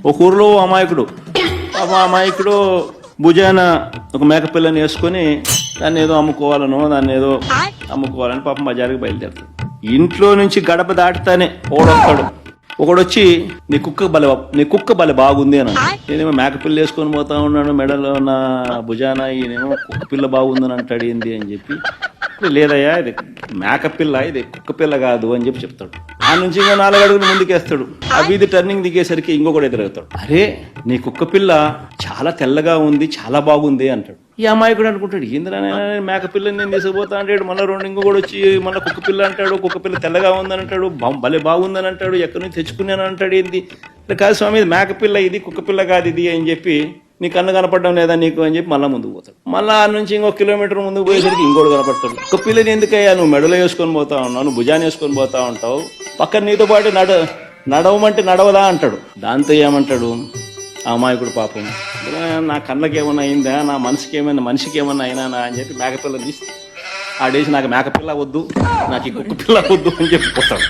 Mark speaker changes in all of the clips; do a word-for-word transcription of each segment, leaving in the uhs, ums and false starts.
Speaker 1: ఒక ఊర్లో అమాయకుడు పాపం అమాయకుడు భుజాన ఒక మేకపిల్లని వేసుకొని దాన్ని ఏదో అమ్ముకోవాలనో దాన్ని ఏదో అమ్ముకోవాలని పాపం బజారుకి బయలుదేరుతాడు. ఇంట్లో నుంచి గడప దాటుతానే ఓడొస్తాడు. ఒకడొచ్చి నీ కుక్క బల నీ కుక్క బల బాగుంది అని, నేనేమో మేకపిల్ల వేసుకొని పోతా ఉన్నాను, మెడలో నా భుజాన ఈయనేమో కుక్క పిల్ల బాగుందని అంటాడు ఏంది అని చెప్పి, లేదయ్యా ఇది మేకపిల్ల ఇది కుక్క పిల్ల కాదు అని చెప్పి చెప్తాడు. ఆ నుంచి ఇంకా నాలుగు అడుగులు ముందుకేస్తాడు. ఆ వీధి టర్నింగ్ దిగేసరికి ఇంకొకటి ఎదురవుతాడు. అరే నీ కుక్క పిల్ల చాలా తెల్లగా ఉంది, చాలా బాగుంది అంటాడు. ఈ అమాయకుడు అనుకుంటాడు ఏంద్రా మేకపిల్లని నేను తీసుకుపోతా అంటాడు. మళ్ళీ రెండు ఇంకొకటి వచ్చి మళ్ళీ కుక్క పిల్ల అంటాడు. కుక్క పిల్ల తెల్లగా ఉందని అంటాడు, భలే బాగుందని అంటాడు, ఎక్కడి నుంచి తెచ్చుకున్నాను అంటాడు. ఏంది కాదు స్వామి ఇది మేకపిల్ల ఇది కుక్క పిల్ల కాదు ఇది అని చెప్పి, నీ కన్ను కనపడడం లేదా నీకు అని చెప్పి మళ్ళీ ముందుకు పోతాడు. మళ్ళీ ఆ నుంచి ఇంకొక కిలోమీటర్ ముందుకు పోయేసరికి ఇంకోటి కనపడతాడు. కుక్క పిల్లని ఎందుకయ్యా నువ్వు మెడలో వేసుకొని పోతా ఉన్నావు, నువ్వు భుజాన్ని వేసుకొని పోతా ఉంటావు, పక్కన నీతో పాటు నడ నడవమంటే నడవదా అంటాడు. దాంతో ఏమంటాడు ఆ అమాయకుడు పాపం, నా కళ్ళకి ఏమన్నా అయిందా, నా మనసుకి ఏమైనా మనిషికి ఏమన్నా అయినా అని చెప్పి మేకపిల్ల తీసి ఆడేసి నాకు మేకపిల్ల వద్దు, నాకు ఈ కుక్క పిల్ల వద్దు అని చెప్పి పోతాడు.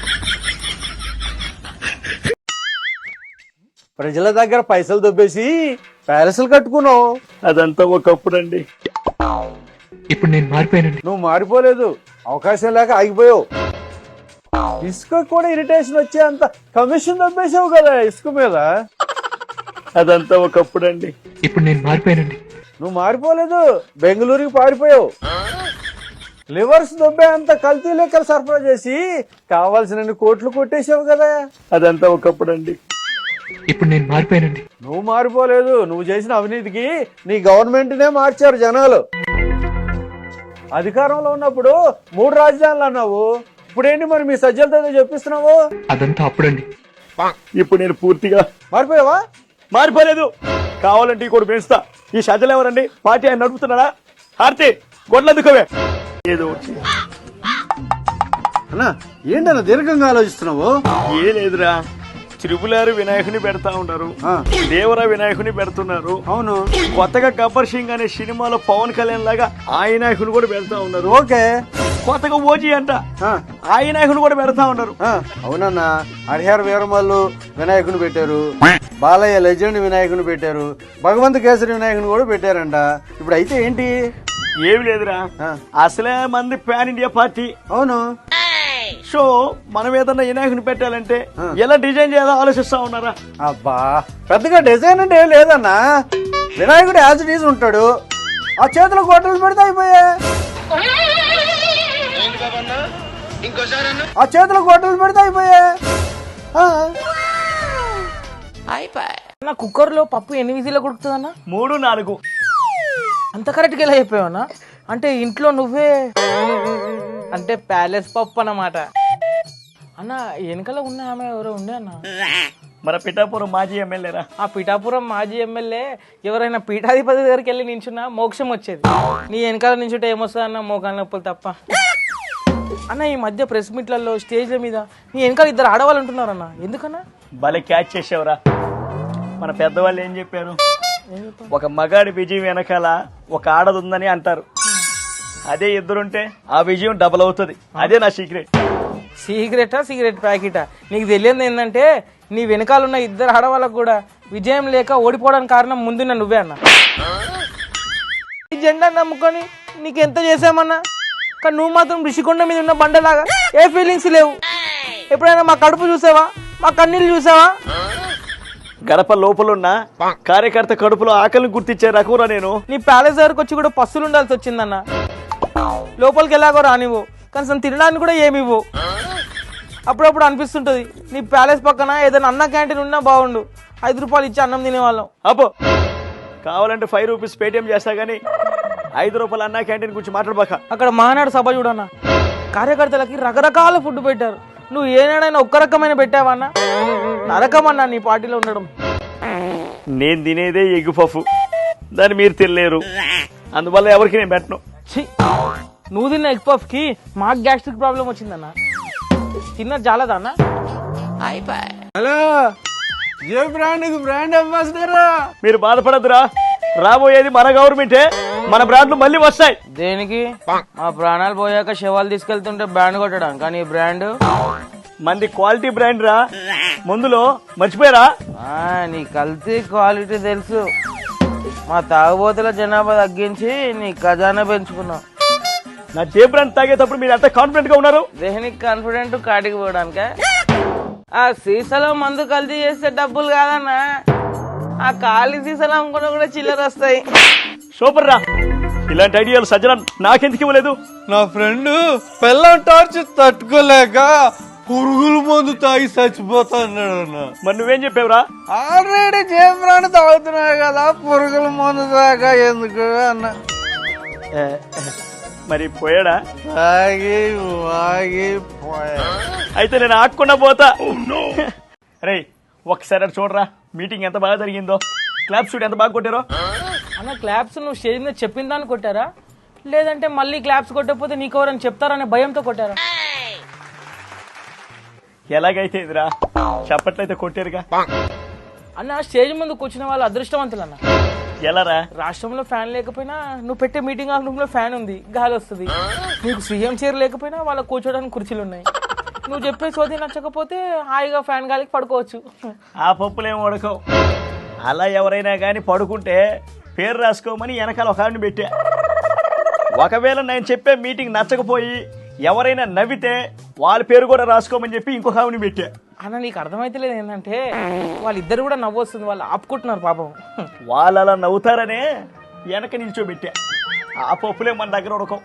Speaker 2: ప్రజల దగ్గర పైసలు దొబ్బేసి ప్యాలెస్లు కట్టుకున్నావు.
Speaker 1: అదంతా ఒకప్పుడు అండి.
Speaker 3: ఇప్పుడు నేను మారిపోయానండి.
Speaker 2: నువ్వు మారిపోలేదు, అవకాశం లేక ఆగిపోయావు. ఇసుక కూడా ఇరిటేషన్ వచ్చే అంత కమిషన్ దొబ్బేసావు కదా ఇసుక మీద.
Speaker 1: అదంతా ఒకప్పుడు అండి.
Speaker 3: ఇప్పుడు నేను మారిపోయానండి.
Speaker 2: నువ్వు మారిపోలేదు, బెంగళూరుకి పారిపోయావు. లివర్స్ దొబ్బే అంత కల్తీ లెక్కలు సరఫరా చేసి కావాల్సిన కోట్లు కొట్టేసావు కదా.
Speaker 1: అదంతా ఒకప్పుడు అండి.
Speaker 3: ఇప్పుడు నేను మారిపోయానండి.
Speaker 2: నువ్వు మారిపోలేదు, నువ్వు చేసిన అవినీతికి నీ గవర్నమెంట్ నే మార్చారు జనాలు. అధికారంలో ఉన్నప్పుడు మూడు రాజధానులు అన్నావు, ఇప్పుడేంటి మరి మీ సజ్జలతో చెప్పిస్తున్నావు?
Speaker 3: అదంతా అప్పుడండి.
Speaker 1: ఇప్పుడు నేను పూర్తిగా
Speaker 2: మారిపోయావా?
Speaker 1: మారిపోలేదు. కావాలంటే ఈ కూడా పెంచుతా. ఈ షజలు ఎవరండి? పార్టీ ఆయన నడుపుతున్నాడా? హార్తి గొడ్లందుకోవే ఏదో వచ్చి
Speaker 2: అన్నా ఏంటన్నా దీర్ఘంగా ఆలోచిస్తున్నావు?
Speaker 1: ఏ లేదురా, త్రిపులారు వినాయకుని పెడతా ఉన్నారు, దేవరా వినాయకుని పెడుతున్నారు.
Speaker 2: అవును,
Speaker 1: కొత్తగా గబ్బర్ సింగ్ అనే సినిమాలో పవన్ కళ్యాణ్ లాగా ఆ వినాయకుని కూడా పెడతా ఉన్నారు.
Speaker 2: ఓకే,
Speaker 1: కొత్తగా ఓజీ అంట ఆ వినాయకుని కూడా పెడతా ఉన్నారు.
Speaker 2: అవునన్నా, హరిహర వీరమల్లు వినాయకుని పెట్టారు, బాలయ్య లెజెండ్ వినాయకుని పెట్టారు, భగవంత్ కేసరి వినాయకుని కూడా పెట్టారంట. ఇప్పుడు అయితే ఏంటి?
Speaker 1: ఏమి లేదురా, అసలే మంది పాన్ ఇండియా పార్టీ.
Speaker 2: అవును,
Speaker 1: సో మనం ఏదన్నా వినాయకుని పెట్టాలంటే ఎలా డిజైన్ చేయాలో ఆలోచిస్తా ఉన్నారా?
Speaker 2: అబ్బా పెద్దగా డిజైన్ అంటే ఏం లేదన్నా, వినాయకుడు యాజ్ ఇట్ ఈజ్ ఉంటాడు, ఆ చేతులకు గొడ్డలు పెడితే అయిపోయా. ఆ చేతులకు గొడ్డలు పెడితే అయిపోయా.
Speaker 4: అన్న కుక్కర్ లో పప్పు ఎన్ని విజిల్లో కుడుకుతుందన్న?
Speaker 1: మూడు నాలుగు.
Speaker 4: అంత కరెక్ట్గా ఎలా చెప్పావన్నా? అంటే ఇంట్లో నువ్వే అంటే ప్యాలెస్ పప్పు అన్నమాట. అన్న వెనకాల ఉన్న ఆమె ఎవరో ఉండే అన్న,
Speaker 1: మన పిఠాపురం మాజీ ఎమ్మెల్యేరా.
Speaker 4: ఆ పిఠాపురం మాజీ ఎమ్మెల్యే ఎవరైనా పీఠాధిపతి దగ్గరికి వెళ్ళి నించున్నా మోక్షం వచ్చేది. నీ వెనకాల నించుంటే ఏమొస్తుంది అన్న? మోకాల నొప్పులు తప్ప. అన్న ఈ మధ్య ప్రెస్ మీట్లలో స్టేజ్ల మీద నీ వెనకాల ఇద్దరు ఆడవాళ్ళు ఉంటున్నారన్న, ఎందుకన్నా?
Speaker 1: భలే క్యాచ్ చేసావురా. మన పెద్దవాళ్ళు ఏం చెప్పారు? ఒక మగాడి విజయం వెనకాల ఒక ఆడది ఉందని అంటారు. అదే ఇద్దరుంటే ఆ విజయం డబుల్ అవుతుంది. అదే నా సీక్రెట్.
Speaker 4: సీక్రెటా సిగరెట్ ప్యాకెటా? నీకు తెలియదు ఏంటంటే నీ వెనకాల ఉన్న ఇద్దరు ఆడవాళ్ళకు కూడా విజయం లేక ఓడిపోవడానికి కారణం ముందున్న నువ్వే అన్న. ఈ జెండా నమ్ముకొని నీకెంత చేసామన్నా, కానీ నువ్వు మాత్రం ఋషికొండ మీద ఉన్న బండలాగా ఏ ఫీలింగ్స్ లేవు. ఎప్పుడైనా మా కడుపు చూసావా? మా కన్నీళ్ళు చూసావా?
Speaker 1: గడప లోపలున్న కార్యకర్త కడుపులో ఆకలిని గుర్తించే రకూరా నేను.
Speaker 4: నీ ప్యాలెస్ దగ్గరకు వచ్చి కూడా పస్సులు ఉండాల్సి వచ్చిందన్న. లోపలికి ఎలాగో రానివ్వు, కనీసం తినడానికి కూడా ఏమివ్వు. అప్పుడప్పుడు అనిపిస్తుంటది నీ ప్యాలెస్ పక్కన ఏదైనా అన్న క్యాంటీన్ ఉన్నా బాగుండు, ఐదు రూపాయలు ఇచ్చి అన్నం తినేవాళ్ళం.
Speaker 1: అబ్బో కావాలంటే ఫైవ్ రూపీస్ పేటిఎం చేస్తా గానీ ఐదు రూపాయలు అన్న క్యాంటీన్ గురించి మాట్లాడబాక.
Speaker 4: అక్కడ మహానాడు సభ చూడన్నా, కార్యకర్తలకి రకరకాల ఫుడ్ పెట్టారు. నువ్వు ఏనాడైనా ఒక్క రకమైన పెట్టావా అన్న? నరకమన్నా నీ పార్టీలో ఉండడం.
Speaker 1: నేను తినేదే ఎగ్ పఫ్, దాన్ని మీరు తినలేరు, అందువల్ల ఎవరికి నేను పెట్టను.
Speaker 4: నువ్వు తిన్న ఎగ్ పఫ్ కి మాకు గ్యాస్ట్రిక్ ప్రాబ్లం వచ్చిందన్న. తిన్నది చాలదా అన్న?
Speaker 2: హలో, ఏ బ్రాండ్ బ్రాండ్ అంబాసిడర్?
Speaker 1: మీరు బాధపడద్దురా, రాబోయేది మన గవర్నమెంటే, మన బ్రాండ్లు మళ్ళీ వస్తాయి.
Speaker 4: దేనికి? మా ప్రాణాలు పోయాక శవాలు తీసుకెళ్తుంటే బ్రాండ్ కొట్టడం, కానీ బ్రాండ్
Speaker 1: మంది క్వాలిటీ బ్రాండ్ రా.
Speaker 5: మందులో మర్చిపోయారా?
Speaker 4: ఆ, నీ కల్తీ క్వాలిటీ తెలుసు. మా తాగుబోతుల జనాభా తగ్గించి నీ ఖజానా పెంచుకున్నావు.
Speaker 5: నా జేబ్రాన్ తాగేటప్పుడు మీరు ఎంత కాన్ఫిడెంట్ గా ఉన్నారు?
Speaker 4: దేనికి కాన్ఫిడెంట్ కాటికి పోవడానిక? ఆ సీసాలో మందు కల్తీ చేస్తే డబ్బులు కాదన్నా, ఆ ఖాళీ సీసాలు అమ్ముకున్నా కూడా చిల్లర వస్తాయి.
Speaker 5: సూపర్ రా, ఇలాంటి ఐడియాలు సజ్జన నాకెందుకు ఇవ్వలేదు?
Speaker 2: నా ఫ్రెండ్ పెళ్ళం టార్చ్ తట్టుకోలేక పురుగుల మందు తాగి చచ్చిపోతాడు అన్న.
Speaker 5: మరి నువ్వేం చెప్పావురా?
Speaker 2: ఆల్రెడీ జేబ్రాన్ తాగుతున్నాయి కదా, పురుగుల మందు తాగా ఎందుకు అన్న.
Speaker 5: మరి పోయాడా?
Speaker 2: తాగి వాగి పోయా.
Speaker 5: అయితే నేను ఆకుండా పోతా. రే ఒకసారి అటు చూడరా, మీటింగ్ ఎంత బాగా జరిగిందో. క్లాప్స్ చూడు ఎంత బాగా కొట్టారో.
Speaker 4: అన్న క్లాప్స్ నువ్వు స్టేజ్ మీద చెప్పిన దాన్ని కొట్టారా, లేదంటే మళ్ళీ క్లాప్స్ కొట్టకపోతే నీకెవరని చెప్తారనే భయంతో కొట్టారా?
Speaker 5: ఎలాగైతే ఇదిరా, చప్పట్లయితే కొట్టారుగా.
Speaker 4: అన్న స్టేజ్ ముందు కూర్చున్న వాళ్ళు అదృష్టవంతులు అన్న.
Speaker 5: ఎలారా?
Speaker 4: రాష్ట్రంలో ఫ్యాన్ లేకపోయినా నువ్వు పెట్టే మీటింగ్ హాల్ రూమ్ లో ఫ్యాన్ ఉంది, గాలి వస్తుంది. నీకు సీఎం చైర్ లేకపోయినా వాళ్ళ కూర్చోడానికి కుర్చీలు ఉన్నాయి. నువ్వు చెప్పే సోది నచ్చకపోతే హాయిగా ఫ్యాన్ గాలికి పడుకోవచ్చు.
Speaker 5: ఆ పప్పులేం ఉడకవు. అలా ఎవరైనా కానీ పడుకుంటే పేరు రాసుకోమని వెనకాల ఒక ఆడిని పెట్టా. ఒకవేళ నేను చెప్పే మీటింగ్ నచ్చకపోయి ఎవరైనా నవ్వితే వాళ్ళ పేరు కూడా రాసుకోమని చెప్పి ఇంకొక ఆవిని పెట్టా.
Speaker 4: అన్న నీకు అర్థమైతే లేదు ఏంటంటే వాళ్ళిద్దరు కూడా నవ్వు వస్తుంది, వాళ్ళు ఆపుకుంటున్నారు పాపం.
Speaker 5: వాళ్ళు అలా నవ్వుతారనే వెనక నిల్చోబెట్టా. ఆ పప్పులే మన దగ్గర ఉడకవు.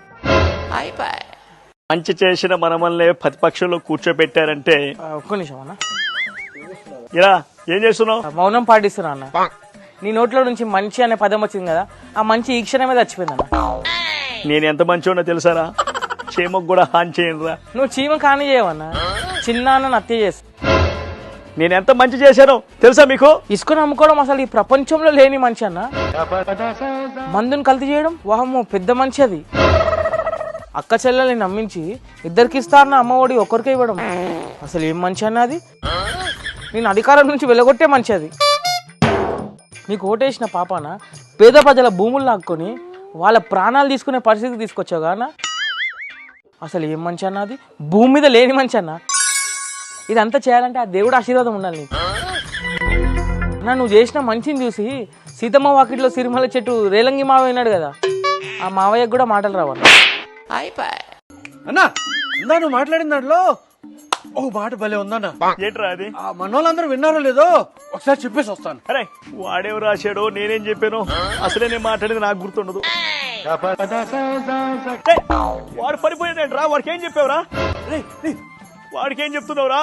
Speaker 5: మంచి చేసిన మనమల్ని ప్రతిపక్షంలో కూర్చోబెట్టారంటే.
Speaker 4: ఒక్క నిమిషం అన్న,
Speaker 5: ఇలా ఏం చేస్తున్నావు?
Speaker 4: మౌనం పాటిస్తున్నా అన్న. నీ నోట్లో నుంచి మంచి అనే పదం వచ్చింది కదా, ఆ మంచి ఈ క్షణమే చచ్చిపోయింది అన్న.
Speaker 5: నేను ఎంత మంచోనో తెలుసారా? చీమకు కూడా హాని చేయనురా.
Speaker 4: నువ్వు చీమ కాని చేయవన్నా, చిన్న అన్న హత్య చేస్తా.
Speaker 5: నేను ఎంత మంచి చేశానో తెలుసా మీకు?
Speaker 4: ఇసుకను అమ్ముకోవడం అసలు ఈ ప్రపంచంలో లేని మంచి అన్న. మందుని కల్తీ చేయడం వాహమ్మో పెద్ద మంచి అది. అక్క చెల్లెల్ని నమ్మించి ఇద్దరికి ఇస్తారన్న అమ్మఒడి ఒక్కరికే ఇవ్వడం అసలు ఏం మంచి అన్న అది. నేను అధికారం నుంచి వెళ్ళగొట్టే మంచి అది. నీకు ఓటేసిన పాపాన పేద ప్రజల భూములు లాక్కొని వాళ్ళ ప్రాణాలు తీసుకునే పరిస్థితికి తీసుకొచ్చావుగా అన్న. అసలు ఏం మంచి అన్న అది, భూమి మీద లేని మంచి అన్న. ఇదంతా చేయాలంటే ఆ దేవుడు ఆశీర్వాదం ఉండాలి నీకు. అన్న నువ్వు చేసిన మంచిని చూసి సీతమ్మ వాకిట్లో సిరిమల చెట్టు రేలంగి మావయ్య అయినాడు కదా, ఆ మావయ్యకు కూడా మాటలు రావాలి.
Speaker 2: అన్నా ఇందా నువ్వు మాట్లాడిన దాంట్లో ఓ మాట భలే ఉందన్న.
Speaker 5: ఏంట్రా అది?
Speaker 2: ఆ మనోళ్ళందరూ విన్నారో లేదో ఒకసారి చెప్పేసి వస్తాను.
Speaker 5: అరే వాడేం రాశాడో నేనేం చెప్పాను అసలే నేను మాట్లాడేది నాకు గుర్తుండదు. ఏయ్, వాడు పడిపోయాడంట్రా. వాడికి ఏం చెప్పావురా? వాడికి ఏం చెప్తున్నావురా?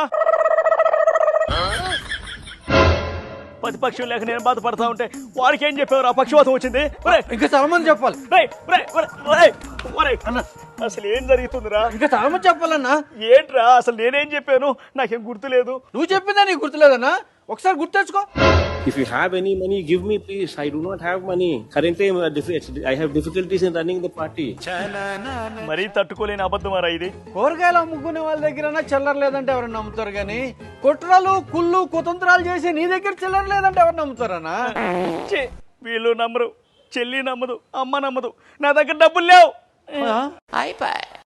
Speaker 5: ప్రతిపక్షం లేక నేను బాధపడతా ఉంటే వాడికి ఏం చెప్పావురా? పక్షవాతం వచ్చింది.
Speaker 2: ఇంకా చాలా మంది చెప్పాలి.
Speaker 5: ఒరేయ్, ఒరేయ్, ఒరేయ్, ఒరేయ్, ఒరేయ్. అసలు ఏం జరుగుతుందిరా?
Speaker 2: ఇంకా చాలా మంది చెప్పాలన్నా.
Speaker 5: ఏంట్రా అసలు నేనేం చెప్పాను? నాకేం గుర్తులేదు.
Speaker 2: నువ్వు చెప్పిందా నీకు గుర్తులేదన్నా? ఒకసారి గుర్తు తెచ్చుకో.
Speaker 6: If you have any money, give me please. I do not have money. Currently, I'm, uh, diffi- I have difficulties in running the party.
Speaker 5: మరీ తట్టుకోలేని అబద్ధమారా ఇది.
Speaker 2: కూరగాయలు అమ్ముకునే వాళ్ళ దగ్గర చిల్లర లేదంటే ఎవరన్నా నమ్ముతారు కానీ కుట్రలు కుళ్ళు కుతంత్రాలు చేసి నీ దగ్గర చిల్లర లేదంటే ఎవరు నమ్ముతారన్నా?
Speaker 5: ఛీ, వీళ్ళు నమ్మరు, చెల్లి నమ్మదు, అమ్మ నమ్మదు, నా దగ్గర డబ్బులు లేవు.